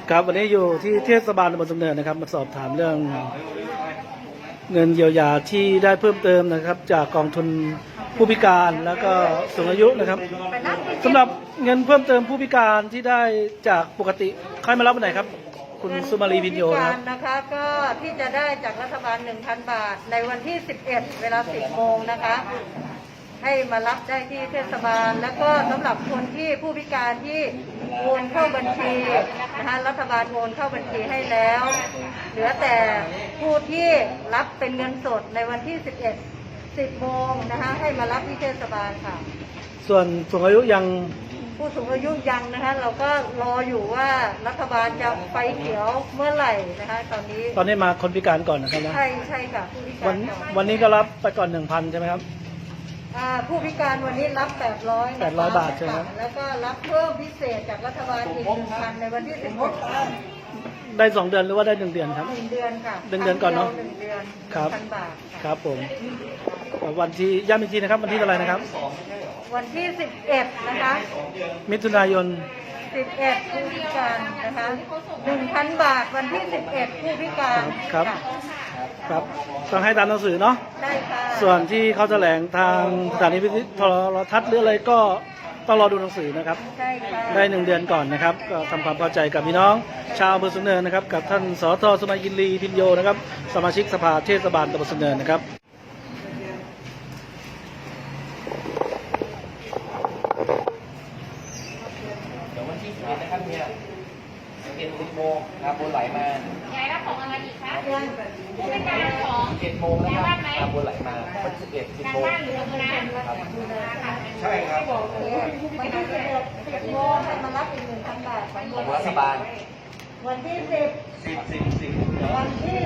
ครับวันนี้อยู่ที่เทศบาลตำบลสูงเนินนะครับมาสอบถามเรื่องเงินเยียวยาที่ได้เพิ่มเติมนะครับจากกองทุนผู้พิการแล้วก็สูงอายุนะครับสำหรับเงินเพิ่มเติมผู้พิการที่ได้จากปกติใครมารับวันไหนครับคุณสุมาลีพิญโยนะคะก็ที่จะได้จากรัฐบาล 1,000 บาทในวันที่ 11 เวลา 10 โมงนะคะให้มารับได้ที่เทศบาลแล้วก็สำหรับคนที่ผู้พิการที่โอนเข้าบัญชีนะคะรัฐบาลโอนเข้าบัญชีให้แล้วเหลือแต่ผู้ที่รับเป็นเงินสดในวันที่ 11 10 โมงนะคะให้มารับที่เทศบาลค่ะส่วนสูงอายุยังผู้สูงอายุยังนะคะเราก็รออยู่ว่ารัฐบาลจะไฟเขียวเมื่อไหร่นะคะตอนนี้มาคนพิการก่อนนะครับนะใช่ค่ะผู้พิการวันนี้ก็รับไปก่อน 1,000 ใช่ไหมครับผู้พิการวันนี้รับ800 บาทใช่ไหมแล้วก็รับเพิ่มพิเศษจากรัฐบาลอีก 1,000 ในวันที่16 ได้2 เดือนหรือว่าได้1 เดือนครับ 1 เดือนค่ะ 1 เดือนก่อนเนาะ 1 เดือนครับ 1,000 บาทครับผมวันที่ย้ำอีกทีนะครับวันที่เท่าไหร่นะครับวันที่ 11 นะคะมิถุนายน 11ผู้พิการนะคะ 1,000 บาทวันที่ 11ผู้พิการครับต้องให้ตามหนังสือเนาะได้ค่ะส่วนที่เขาแถลงทางสถานีวิทยุโทรทัศน์หรืออะไรก็ต้องรอดูหนังสือนะครับใช่ค่ะได้1 เดือนก่อนนะครับก็ทำความเข้าใจกับพี่น้องชาวอำเภอสูงเนินนะครับกับท่านสท.สุมาลีพิญโยนะครับสมาชิกสภาเทศบาลตำบลสูงเนินนะครับวันที่11นะครับเนี่ย11 โมงครับบนไหลมายายรับของอะไรอีกคะผู้พิการของ 11 โมงนะครับบนไหลมาวันที่11 10 โมงบ้านหรือเมืองนะใช่ครับวันที่11 โมงให้มารับอีก 1,000 บาทของรัฐบาลวันที่10วันที่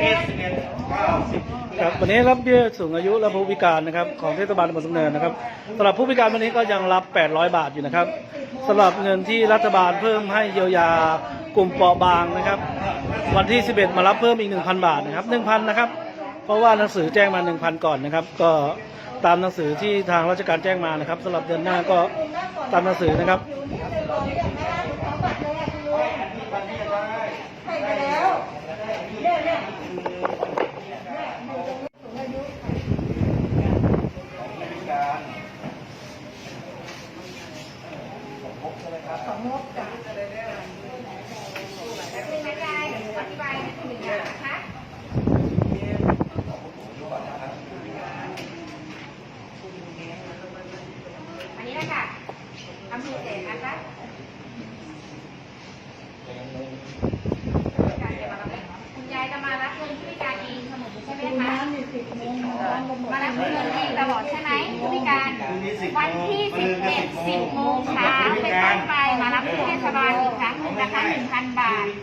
ครับวันนี้รับเบี้ยสูงอายุและผู้พิการนะครับของเทศบาลตำบลสูงเนินนะครับสำหรับผู้พิการวันนี้ก็ยังรับ800 บาทอยู่นะครับสำหรับเงินที่รัฐบาลเพิ่มให้เยียวยากลุ่มเปราะบางนะครับวันที่11มารับเพิ่มอีก 1,000 บาทนะครับ 1,000 นะครับเพราะว่าหนังสือแจ้งมา 1,000 ก่อนนะครับก็ตามหนังสือที่ทางราชการแจ้งมานะครับสำหรับเดือนหน้าก็ตามหนังสือนะครับของงบจ้ะคุณยายอธิบายให้คุณหนึ่งอย่างนะคะอันนี้นะคะทำพิเศษนะคะคุณยายจะมารับเงินผู้พิการเองเสมอใช่ไหมคะมารับเงินเองตลอดใช่ไหมผู้พิการวันที่11 10 โมงเช้าเป็นต้นไปมารับที่เทศบาลอีกครั้งหนึ่งนะคะ 1,000 บาท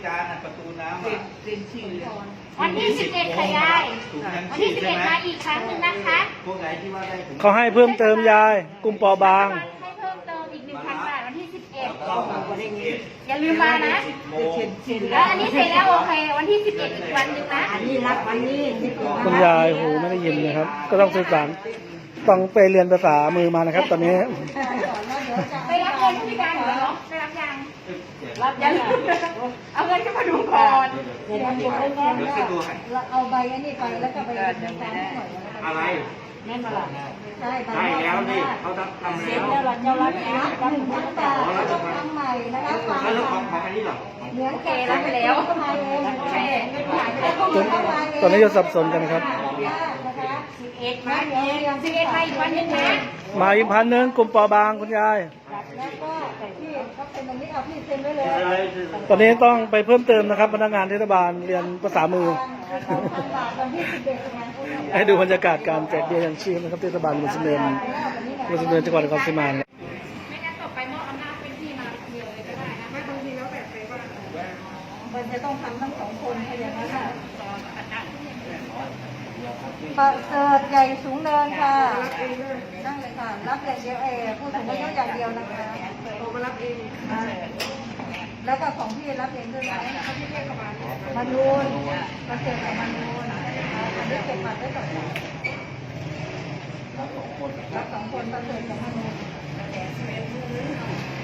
วันที่11ค่ะยายวันที่11มาอีกครั้งหนึ่งนะคะเขาให้เพิ่มเติมยายกลุ่มเปราะบางให้เพิ่มเติมอีก 1,000 บาทวันที่11อย่าลืมมานะแล้วอันนี้เสร็จแล้วโอเควันที่11อีกวันหนึ่งนะอันนี้รับวันนี้คุณยายหูไม่ได้ยินนะครับก็ต้องสื่อสารต้องไปเรียนภาษามือมานะครับตอนนี้ไปรับเงินผู้พิการเหรอได้รับยังยังเอาเงินขึ้นมาดูก่อนเอาใบอันนี้ไปแล้วก็ไปดำเนินการให้หน่อยอะไรแม่มาละใช่แล้วนี่เขาทำแล้วเราจะรับแล้วก็ทำใหม่นะคะแล้วของอันนี้หรอเหมือนแกรับไปแล้วตอนนี้จะสับสนกันนะครับ 11มาอีกวันนึงนะมาอีก1,000กลุ่มเปราะบางคุณยายแล้วก็ที่เขาเป็นตรงนี้เอาพี่เซ็นไว้เลยตอนนี้ต้องไปเพิ่มเติมนะครับพนักงานเทศบาลเรียนภาษามือให้ดูบรรยากาศการแจกเบี้ยยังชีพนะครับเทศบาลมุสลิมจังหวัดนครศรีธรรมราชไม่งั้นต่อไปมอบอำนาจเป็นที่มาเดียวเลยก็ได้นะไม่บางทีแล้วแบบไปว่ามันจะต้องทำทั้ง2 คนให้อย่างนั้นค่ะประเสริฐใหญ่สูงเนินค่ะนั่งเลยค่ะรับอย่างเดียวผู้สูงอายุอย่างเดียวนะคะโทรมารับเองแล้วก็ของพี่รับเองด้วยนะมานูนประเสริฐกับมานูนอันนี้เก็บบัตรได้ก่อนรับ2 คนประเสริฐกับมานูน